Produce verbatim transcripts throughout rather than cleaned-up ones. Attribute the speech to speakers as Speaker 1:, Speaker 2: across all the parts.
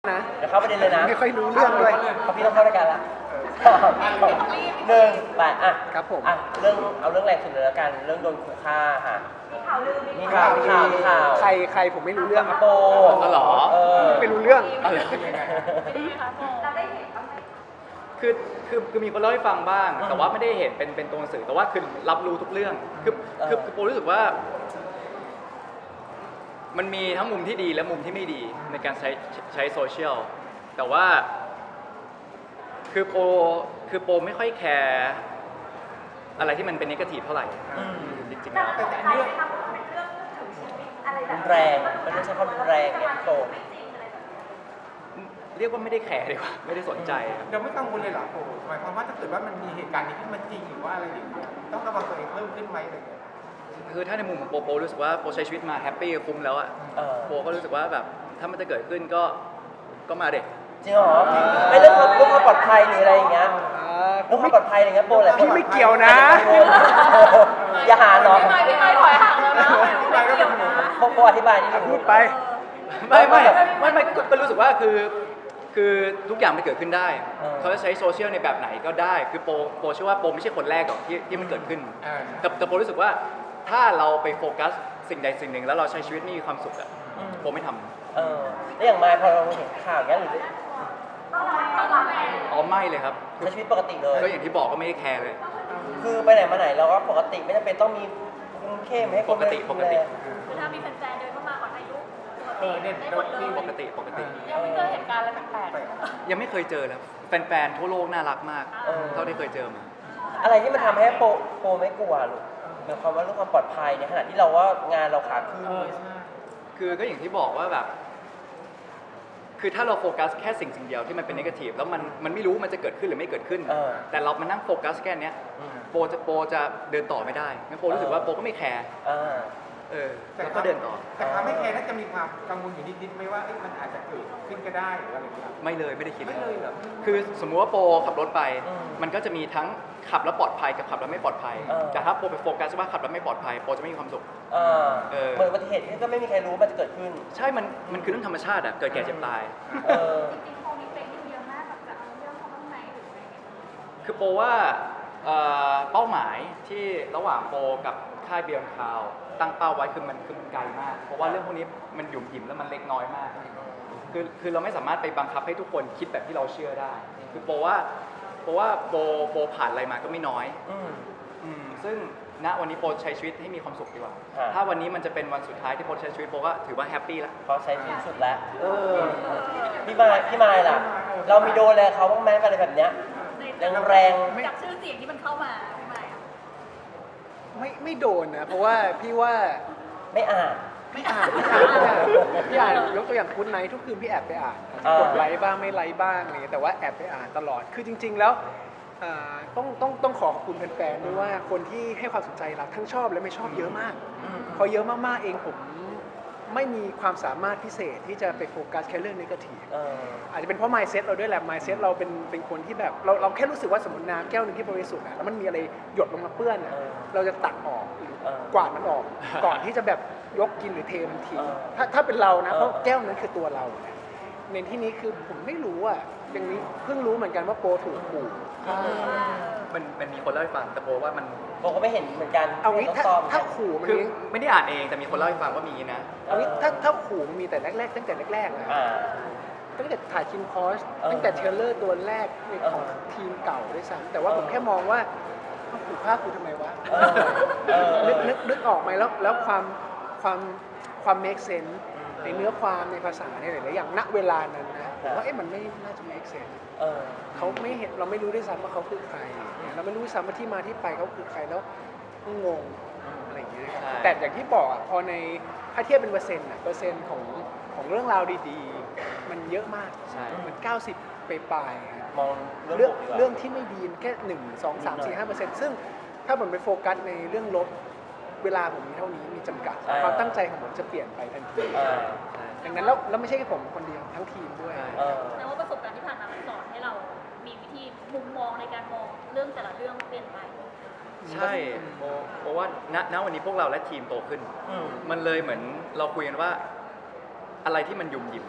Speaker 1: นะ
Speaker 2: เดี๋ยวเข้าประเด็นเลยนะ
Speaker 1: ไม่ค่อยรู้เรื่องด้วย
Speaker 2: เขาพี่ต้องเข้ารายการแล้วหนึ่งไปอ่ะ
Speaker 1: ครับผม
Speaker 2: อ่ะเรื่องเอาเรื่องแรงสุดเลยแล้วกันเรื่องโดนขู่ฆ่าค่ะมีข่าวลือมีข่าวมีข่าวมีข่าว
Speaker 1: ใครใครผมไม่รู้เรื่อง
Speaker 2: โป
Speaker 3: อ๋อเหรอ
Speaker 2: เออ
Speaker 1: ไม่รู้เรื่อง
Speaker 3: อะไร
Speaker 4: เราได้เห็นบ้างไหม
Speaker 3: คือคือคือมีคนเล่าให้ฟังบ้าง แต่ว่าไม่ได้เห็นเป็นเป็นตัวหนังสือแต่ว่าคือรับรู้ทุกเรื่องคือคือคือโปรู้สึกว่า มันมีทั้งมุมที่ดีและมุมที่ไม่ดีในการใช้ใช้โซเชียลแต่ว่า คือโปคือโปไม่ค่อยแคร์อะไรที่มันเป็นนิเกทีฟเท่าไหร่จริงๆแล้ว
Speaker 4: แต่อันนี้ทำเป็นเรื่องถึงชีวิตอะไรแบบ
Speaker 2: แรงมันไม่ใช่ความรุนแรงเนี่ยโป
Speaker 3: เรียกว่าไม่ได้แคร์ดีกว่าไม่ได้สนใจครับ
Speaker 5: เราไม่กังวลเลยเหรอโอ้หมายความว่าถ้าเกิดว่ามันมีเหตุการณ์นี้ขึ้นมาจริงหรือว่าอะไรอย่างเงี้ยต้องระวังตัวเองเพิ่มขึ้นไหมอะไรอย่างเงี้ย
Speaker 3: คือถ้าในมุมของโปโปรู้สึกว่าโปใช้ชีวิตมาแฮปปี้คุ้มแล้วอะ
Speaker 2: เออ
Speaker 3: โปก็รู้สึกว่าแบบถ้ามันจะเกิดขึ้นก็ก็มาเด็ก
Speaker 2: จริงเหรอไม่เรื่องความเรื่องความปลอดภัยหรืออะไรอย่างเงี้ย
Speaker 1: อ่า
Speaker 2: เรื่องความปลอดภัยอะไรเงี้ยโปแหละ
Speaker 1: พี่ไม่เกี่ยวนะ
Speaker 2: อย่าหาเนาะ
Speaker 4: พี่ไม่พี่ไม่ถอยห่างแล้วนะไม่เกี่ยวนะ
Speaker 2: โปโปอธิบายนิดนึง
Speaker 1: พูดไป
Speaker 3: ไม่ไม่ไม่ไม่ก็ก็รู้สึกว่าคือคือทุกอย่างมันเกิดขึ้นได้
Speaker 2: เออ
Speaker 3: เขาจะใช้โซเชียลในแบบไหนก็ได้ คือโปโปเชื่อว่าโปไม่ใช่คนแรกหรอกที่ที่มันเกิดขึ้น
Speaker 5: อ่า
Speaker 3: แต่แต่โปรู้สึกว่าถ้าเราไปโฟกัสสิ่งใดสิ่งหนึ่งแล้วเราใช้ชีวิตไม่มีความสุขอะโปไม่ทำ
Speaker 2: เออแล้วอย่างมายพอเราเห็นข่าวอย่างเงี้ยหรือ
Speaker 4: ต้องระวังต้องระวัง
Speaker 3: อ๋อไม่เลยครับ
Speaker 2: ใช้ชีวิตปกติเลย
Speaker 3: ก็อย่างที่บอกก็ไม่ได้แคร์เลย
Speaker 2: คือไปไหนมาไหนเราก็ปกติไม่จำเป็นต้องมีคุมเข้มให้คน
Speaker 3: ปกติปกติ
Speaker 4: คือถ้ามีแฟนๆเดินเข้ามาขอถ่ายรูป
Speaker 5: เออเนี่ย
Speaker 4: ได้หมดเลย
Speaker 3: ปกติปกติ
Speaker 4: ยังไม่เจอเหตุการณ์อะไรแปลกๆ
Speaker 3: ยังไม่เคยเจอเลยแฟนๆทั่วโลกน่ารักมาก
Speaker 2: เออ
Speaker 3: เท่าที่เคยเจอมา
Speaker 2: อะไรที่มันทำให้โปโปไม่กลัวลูกหมายความว่าเรื่องความปลอดภัยในขณะที่เราว่างานเราขาขึ้น
Speaker 5: เออใช่
Speaker 3: คือก็อย่างที่บอกว่าแบบ คือถ้าเราโฟกัสแค่สิ่งสิ่งเดียวที่มันเป็นนกาทีฟแล้วมันมันไม่รู้มันจะเกิดขึ้นหรือไม่เกิดขึ้น
Speaker 2: เออ
Speaker 3: แต่เรามานั่งโฟกัสแค่เนี้ย
Speaker 2: อืม
Speaker 3: โปจะโปจะเดินต่อไม่ได้งั้นโปรู้สึกว่าโปก็ไม่แคร์
Speaker 2: อ่า
Speaker 3: เออแล้วก็เดินต่อ
Speaker 5: แต่ความไม่แคร์น่าจะมีความกังวลอยู่นิดๆไหมว่าเอ๊ะมันอาจจะเกิดขึ้นก็ได้หรืออะไรอย่างเงี้ย
Speaker 3: ไม่เลยไม่ได้คิด
Speaker 5: ไม่เลยเหรอ
Speaker 3: คือสมมุติว่าโปขับรถไป
Speaker 2: อืม
Speaker 3: มันก็จะมีทั้งขับแล้วปลอดภัยกับขับแล้วไม่ปลอดภัย
Speaker 2: เออ
Speaker 3: แต่ถ้าโปไปโฟกัสว่าขับแล้วไม่ปลอดภัยโปจะไม่มีความสุข
Speaker 2: อ่า
Speaker 3: เออ
Speaker 2: เหมือนอุบัติเหตุที่ก็ไม่มีใครรู้ว่ามันจะเกิดขึ้น
Speaker 3: ใช่มันมันคือเรื่องธรรมชาติอะเกิดแก่เจ็บตาย
Speaker 2: เออ
Speaker 4: จริงๆโควิดเป็นเยอะมากแบบจะเอาเรื่องเขาบ้างไหมหรืออะไรเงี้ย
Speaker 3: คือโปว่าเอ่อเป้าหมายที่ระหว่างโปกับค่ายเบียร์คาวตั้งเป้าไว้คือมันคือมันไกลมาก เพราะว่าเรื่องพวกนี้มันหยุ่มหยิมแล้วมันเล็กน้อยมาก คือคือเราไม่สามารถไปบังคับให้ทุกคนคิดแบบที่เราเชื่อได้ คือโปว่าโปว่าโปโปผ่านอะไรมาก็ไม่น้อย
Speaker 2: อืม
Speaker 3: อืมซึ่งณวันนี้โปใช้ชีวิตให้มีความสุขดีกว่า
Speaker 2: อ่า
Speaker 3: ถ้าวันนี้มันจะเป็นวันสุดท้ายที่โปใช้ชีวิตโปก็ถือว่าแฮปปี้แล้ว
Speaker 2: เขาใช้ที่สุดแล้ว
Speaker 3: เออ
Speaker 2: พี่มายพี่มายล่ะ เรามีโดนอะไรเขาบ้างไหมอะไรแบบเนี้ยแรงแรง
Speaker 4: จากชื่อเสียงที่มันเข้ามาพี่ไม่อะ
Speaker 1: ไม่ไม่โดนนะ เพราะว่าพี่ว่า
Speaker 2: ๆไม่อ่าน
Speaker 1: ไม่อ่านไม่อ่านไม่อ่านพี่อ่านยกตัวอย่างคุณไนท์ทุกคืนพี่แอบไปอ่าน
Speaker 2: อ่าก
Speaker 1: ดไลค์บ้างไม่ไลค์บ้างอะไรอย่างเงี้ยแต่ว่าแอบไปอ่านตลอด คือจริง ๆ แล้วอ่าต้องต้องต้องขอขอบคุณแฟนๆด้วยว่าคนที่ให้ความสนใจเราทั้งชอบและไม่ชอบเยอะมาก
Speaker 2: อืม
Speaker 1: พอเยอะมากๆเองผมไม่มีความสามารถพิเศษที่จะไปโฟกัสแค่เรื่องนกาทีฟ
Speaker 2: เออ
Speaker 1: อาจจะเป็นเพราะ mindset เราด้วยแหละ mindset เราเป็นเป็นคนที่แบบเราเราแค่รู้สึกว่าสมมติน้ำแก้วหนึ่งที่บริสุทธิ์อะแล้วมันมีอะไรหยดลงมาเปื้อนอะ
Speaker 2: เออ
Speaker 1: เราจะตักออกหรือ
Speaker 2: เออ
Speaker 1: กวาดมันออก ก่อนที่จะแบบยกกินหรือเทมันทิ้ง
Speaker 2: เออ
Speaker 1: ถ้าถ้าเป็นเรานะ
Speaker 2: เออ
Speaker 1: เพราะแก้วนั้นคือตัวเราเนี่ยในที่นี้คือผมไม่รู้อะอย่างนี้เพิ่งรู้เหมือนกันว่าโปรถูกขู่ฆ่า
Speaker 3: มันมันมีคนเล่าให้ฟังแต่โปว่ามัน
Speaker 2: โบก็ไม่เห็นเหมือนกัน
Speaker 1: เอางี้
Speaker 2: ต้อง
Speaker 1: ถ้า
Speaker 2: ซ่อม
Speaker 1: ถ้าขู่มัน
Speaker 3: คือ
Speaker 1: มี
Speaker 3: ไม่ได้อ่านเองแต่มีคนเล่าให้ฟังว่ามีนะ
Speaker 1: เอางี้ถ้าถ้าขู่มันมีแต่แรกๆตั้งแต่แรกๆนะ
Speaker 2: อ่า
Speaker 1: ตั้งแต่ถ่ายคิมคอส
Speaker 2: เออ
Speaker 1: ตั้งแต่เทรลเลอร์ตัวแรกในของ
Speaker 2: เออ
Speaker 1: ทีมเก่าด้วยซ้ำแต่ว่าผมแค่มองว่าเอาขู่ฆ่ากูทำไมวะ
Speaker 2: เออเออ
Speaker 1: นึกนึกนึกออกไหมแล้วแล้วความความความ make sense ในเนื้อความในภาษาในหลายๆอย่างณเวลานั้นนะผมว่าเอ๊ะมันไม่น่าจะ make sense
Speaker 2: เออ
Speaker 1: เขาไม่เห็นเราไม่รู้ด้วยซ้ำว่าเขาคือใคร เราไม่รู้ด้วยซ้ำว่าที่มาที่ไปเขาคือใครแล้วก็งงอะไรอย่างเงี้ยครับ
Speaker 3: ใช่
Speaker 1: แต่อย่างที่บอกอะพอในถ้าเทียบเป็นเปอร์เซ็นต์อะเปอร์เซ็นต์ของของเรื่องราวดีๆ มันเยอะมาก
Speaker 3: ใช่
Speaker 1: มันเก้าสิบไปปลายๆครับ
Speaker 2: มอง
Speaker 1: เรื่อง
Speaker 2: บวกดีกว่า
Speaker 1: เรื่องที่ไม่ดีแค่หนึ่งสองสามสี่ห้าเปอร์เซ็นต์ซึ่งถ้าผมไปโฟกัสในเรื่องลบเวลาผมมีเท่านี้มีจำกัด
Speaker 2: อ่า
Speaker 1: ความตั้งใจของผมจะเปลี่ยนไปทันที
Speaker 2: อ่า
Speaker 1: ดังนั้นแล้วแล้วไม่ใช่แค่ผมคนเดียวทั้งทีมด้วย
Speaker 3: ใช่
Speaker 2: เออ
Speaker 4: แต่ว่าประสบการณ์ที่ผ่านมามันสอนให้เรามีวิธีมุมมองในการมองเรื่องแต่ละเรื่องเปลี่ยนไป
Speaker 3: ใช่โปเพราะว่าณณวันนี้พวกเราและทีมโตขึ้น
Speaker 2: อืม
Speaker 3: มันเลยเหมือนเราคุยกันว่าอะไรที่มันหยุ่มหยิมอะ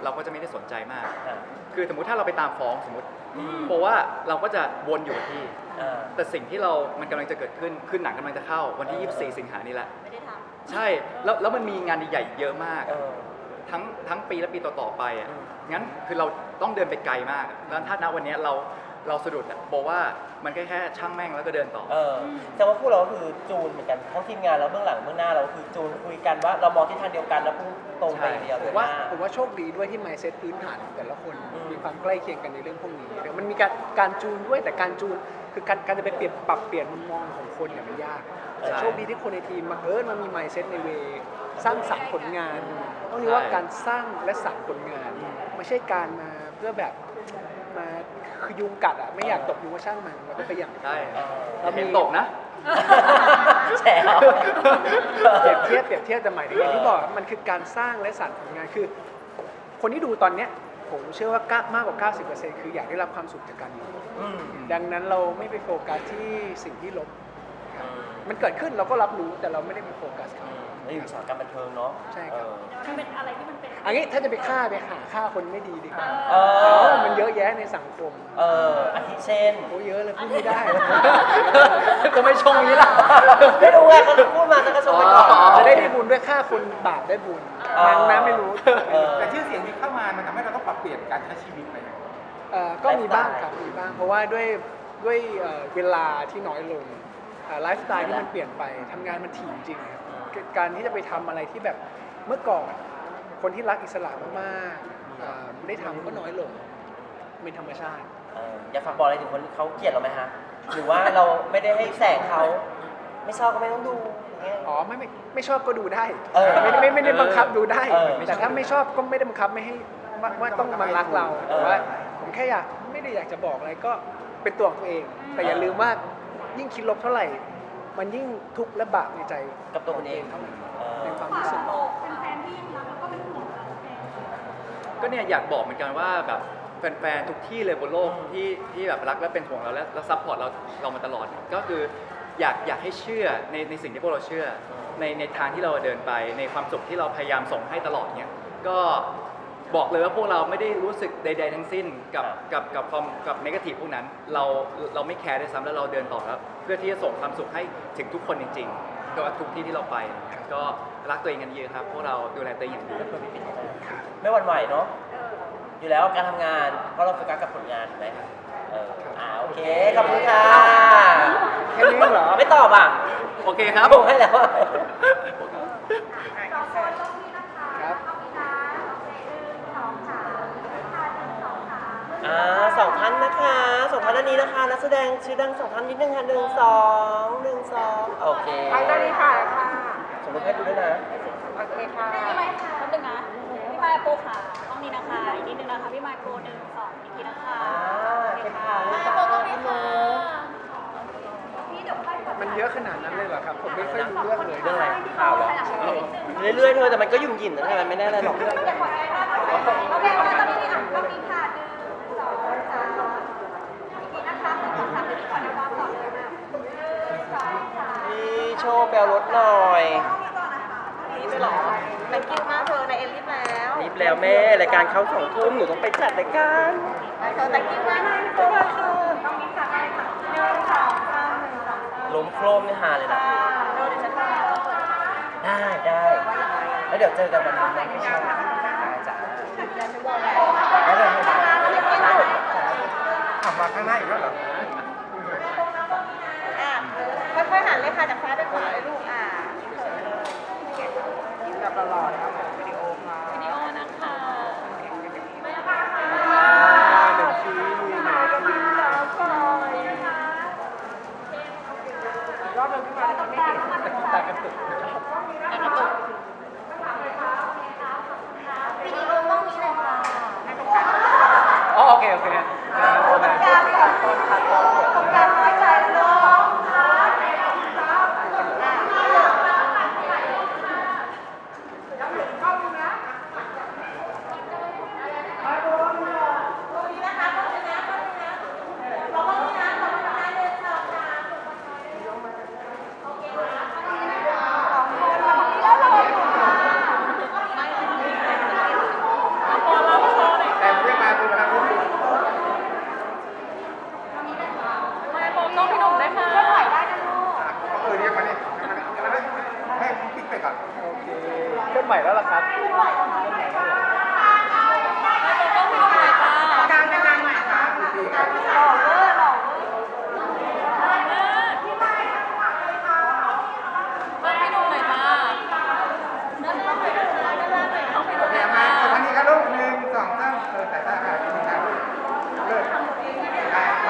Speaker 3: เราก็จะไม่ได้สนใจมาก
Speaker 2: อ่า
Speaker 3: คือสมมุติถ้าเราไปตามฟ้องสมมติ
Speaker 2: อืม
Speaker 3: เพราะว่าเราก็จะวนอยู่กับที่
Speaker 2: อ่า
Speaker 3: แต่สิ่งที่เรามันกำลังจะเกิดขึ้นคือหนังกำลังจะเข้าวันที่ ยี่สิบสี่ สิงหานี้แหละ
Speaker 4: ไม่ได้ท
Speaker 3: ใช่แล้วแล้วมันมีงานใหญ่ๆเยอะมาก
Speaker 2: เออ
Speaker 3: ทั้งทั้งปีและปีต่อๆไปอ่ะ
Speaker 2: อืม
Speaker 3: งั้นคือเราต้องเดินไปไกลมากอะแล้วถ้าณวันเนี้ยเราเราสะดุดอะบอกว่ามันแค่แค่ช่างแม่งแล้วก็เดินต่อ
Speaker 2: เออแต่ว่าพวกเราก็คือจูนเหมือนกันทั้งทีมงานแล้วเบื้องหลังเบื้องหน้าเราคือจูนคุยกันว่าเรามองทิศทางเดียวกันแล้วพุ่งตรงไปอย่างเดียว
Speaker 1: ผ
Speaker 2: เล
Speaker 1: ม
Speaker 2: ย
Speaker 1: ว่า
Speaker 2: ว่า
Speaker 1: ผมว่าโชคดีด้วยที่ mindset พื้นฐานของแต่ละคน
Speaker 2: อืม
Speaker 1: มีความใกล้เคียงกันในเรื่องพวกนี้เดี๋ยวมันมีการการจูนด้วยแต่การจูนคือการการจะไปเปลี่ยนปรับเปลี่ยนมุมมองของคนเนี่ยมันยากแต่โชคดีที่คนในทีมมาเอิญมันมี mindset ในเวสร้างสรรค์ผลงานต้องเรียกว่าการสร้างและสรรค์ผลงาน ไม่ใช่การมาเพื่อแบบมาคือยุงกัดอ่ะไม่อยากตกยุงก็ช่างมันแล้วก็ไปอย่าง
Speaker 3: ใช่
Speaker 2: เออ
Speaker 3: เราเห็นตกนะ
Speaker 2: แฉว
Speaker 1: เปรียบเทียบเปรียบเทียบแต่หมายถึงอย่างที่บอกมันคือการสร้างและสรรค์ผลงานคือ คนที่ดูตอนเนี้ยผมเชื่อว่ามากกว่า เก้าสิบเปอร์เซ็นต์ คืออยากได้รับความสุขจากการดู
Speaker 2: อืม
Speaker 1: ดังนั้นเราไม่ไปโฟกัสที่สิ่งที่ลบครับมันเกิดขึ้นเราก็รับรู้แต่เราไม่ได้ไปโฟกัสครับ
Speaker 2: แล้วอยู่อุตสาหกรรมบันเทิงเนาะ
Speaker 1: ใช่ครับ
Speaker 2: เออ
Speaker 4: ำมันเป็นอะไรที่มันเป็น
Speaker 1: อันนี้ถ้าจะไปฆ่าไปหาฆ่าคนไม่ดีดีกว่า
Speaker 2: เออ
Speaker 1: เพราะว่ามันเยอะแยะในสังคม
Speaker 2: เอออาทิเช่น
Speaker 1: โอ้เยอะเลยพูดไม่ได้
Speaker 3: ก็ไม่ชงนี้ล่ะ
Speaker 2: ไม่รู้ไงเขาพูดมาแล้วก็ชมไปก่อน
Speaker 3: อ๋อ
Speaker 1: จะได้ได้บุญด้วยฆ่าคนบาปได้บุญ
Speaker 2: อ๋อ
Speaker 1: นางน้ำไม่รู้
Speaker 2: เออ
Speaker 5: แต่ชื่อเสียงที่เข้ามามันทำให้เราต้องปรับเปลี่ยนการใช้ชีวิตไป
Speaker 1: เอ่อก็มีบ้างครับมีบ้าง เพราะว่าด้วยด้วยเอ่อเวลาที่น้อยลงไลฟ์สไตล์ที่มันเปลี่ยนไปทำงานมันถี่จริงๆครับการที่จะไปทำอะไรที่แบบเมื่อก่อน คนที่รักอิสระมากๆเอ่อได้ทำก็น้อยลงเป็นธรรมชาติ
Speaker 2: เอออยากฝากบอกอะไรถึงคนที่เขาเกลียดเราไหมฮะหรือว่าเราไม่ได้ให้แสงเขาไม่ชอบก็ไม่ต้องดูอย่างเงี้ย
Speaker 1: อ๋อไม่ไม่ไม่ชอบก็ดูได้
Speaker 2: เออ
Speaker 1: ไม่ไม่ไม่ได้บังคับดูได้
Speaker 2: เออ
Speaker 1: แต่ถ้าไม่ชอบก็ไม่ได้บังคับไม่ให้ว่าว่าต้องมารักเรา
Speaker 2: เออ
Speaker 1: แต่ว่าผมแค่อยากไม่ได้อยากจะบอกอะไรก็เป็นตัวของตัวเอง แต่อย่าลืมว่ายิ่งคิดลบเท่าไหร่ มันยิ่งทุกข์และบาปในใจ
Speaker 2: กับตัวคนเอง
Speaker 1: เท่านั้น
Speaker 2: เออ
Speaker 1: ในความรู้สึก
Speaker 4: เป็นแฟนที่ยังรักแล้วก็เป็นห่วงเราเอง
Speaker 3: ก็เนี่ยอยากบอกเหมือนกันว่าแบบแฟนๆทุกที่เลยบนโลก
Speaker 2: อืม
Speaker 3: ที่ที่แบบรักและเป็นห่วงเราและและซัพพอร์ตเราเรามาตลอด ก็คืออยากอยากให้เชื่อในในสิ่งที่พวกเราเชื่อ ในในทางที่เราเดินไป ในความสุขที่เราพยายามส่งให้ตลอดเนี่ยก็บอกเลยว่าพวกเราไม่ได้รู้สึกใด ๆ ทั้งสิ้นกับกับกับความกับนกาทีฟพวกนั้น เราเราไม่แคร์ด้วยซ้ำแล้วเราเดินต่อแล้วเพื่อที่จะส่งความสุขให้ถึงทุกคนจริงๆก็ทุกที่ที่เราไป ก็รักตัวเองกันเยอะครับพวกเราดูแลตัวเองอย่างดี
Speaker 2: ไม่หวั่นไหวเนาะอยู่แล้วการทำงานเพราะเราโฟกัสกับผลงานถูกไหมเอออ่าโอเคขอบคุณค่ะ
Speaker 1: แค่นี้เหรอ
Speaker 2: ไม่ตอบอ่ะ
Speaker 3: โอเคครับ
Speaker 2: ผมให้แล้วอะ
Speaker 1: ครับ
Speaker 2: อ่าสองท่านนะคะสองท่านอันนี้นะคะนักแสดงชื่อดังสองท่านนิดนึงค่ะหนึ่งสองหนึ่งสองโอเค
Speaker 6: ไปตอนนี้ค่ะค่ะ
Speaker 2: สมมติให้ดูด้วยนะ
Speaker 6: โอเคค่ะ
Speaker 4: พี่ไมค์ค่ะแป๊บนึงนะพี่ไมค์โปรค่ะห้องนี้นะคะอีกนิดนึงนะคะพี่ไมค์โปรหนึ่งสองอีกทีนะคะ
Speaker 2: อ่าโอเคค่ะ
Speaker 4: ไมค์โปรตรงนี้ค่ะพี่เดี๋ยวค่อยกด
Speaker 1: มันเยอะขนาดนั้นเลยเหรอครับ ผมไม่ค่อยรู้เรื่องเลย
Speaker 2: เรื่องอะไรข่าวเหรอเรื่อยๆเธอแต่มันก็ยุ่งหยิ่นนะมันไม่ได้อะไรหรอก
Speaker 6: อย่ากดแอร์นะโอเคโอเคตอนนี้มีอ่านก็มีค่ะหนึ่งสองสามอีกทีนะคะหนึ่งสองสามที่ขอเดี๋ยววางก่อนเลยนะหนึ่งสองสาม
Speaker 2: พี่โชว์แปลรถหน่อย
Speaker 6: นี่ไปหรอแตงกิ้วมากเธอในเอลิฟแล้ว
Speaker 2: รีบแล้วแม่รายการเข้าสองทุ่มหนูต้องไปจัดรายการ
Speaker 6: เธอแตงกิ้วมากเลยตัวค่ะต้องมีสักอะไรสักหนึ่งสองสามหนึ่งสองสาม
Speaker 2: ล้มโครมนี่ฮาเลยนะ
Speaker 6: เดี๋ยวฉันจะ
Speaker 2: ได้ได้แล้วเดี๋ยวเจอกันวันนี้นะพี่โชว์ได้จ้ะแล้วเดี๋ยวให้มา
Speaker 5: ขับมาข้างหน้าอีกแล้วเหรอ
Speaker 6: อ่ะค่อยๆหันเลยค่ะจากซ้ายไปขวาเลยลูกอ่ะแบบตลอดนะวิดีโอค่ะ
Speaker 4: วิดีโอนะคะ
Speaker 1: หนึ่งทีหนึ่งที
Speaker 6: รอบนึงขึ้นมาแล้วไม่เห็น
Speaker 1: ตากระตุก
Speaker 4: แล้วก็ตก
Speaker 6: วิดีโอห้องนี้เลยค่ะ
Speaker 1: อ๋อโอเคโอเคอ่าโอเค
Speaker 6: การก่อนต้นคัดต้นของการน้อยใจน้องค่ะ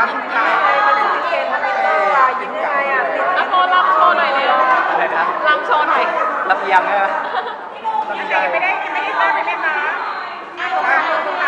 Speaker 5: ครับยิ้มตา
Speaker 6: มันเป็นเกมอะไรต่อยิ้มยังไงอ่ะ
Speaker 4: แล้วโชว์ลำโชว์หน่อยเร็ว
Speaker 3: อะไรนะ
Speaker 4: ลำโชว์หน่อย
Speaker 3: ลำเอียงใช่ไหม
Speaker 6: ไม่ได้ไม่ได้ไม่ได้ตั้งไม่ได้มา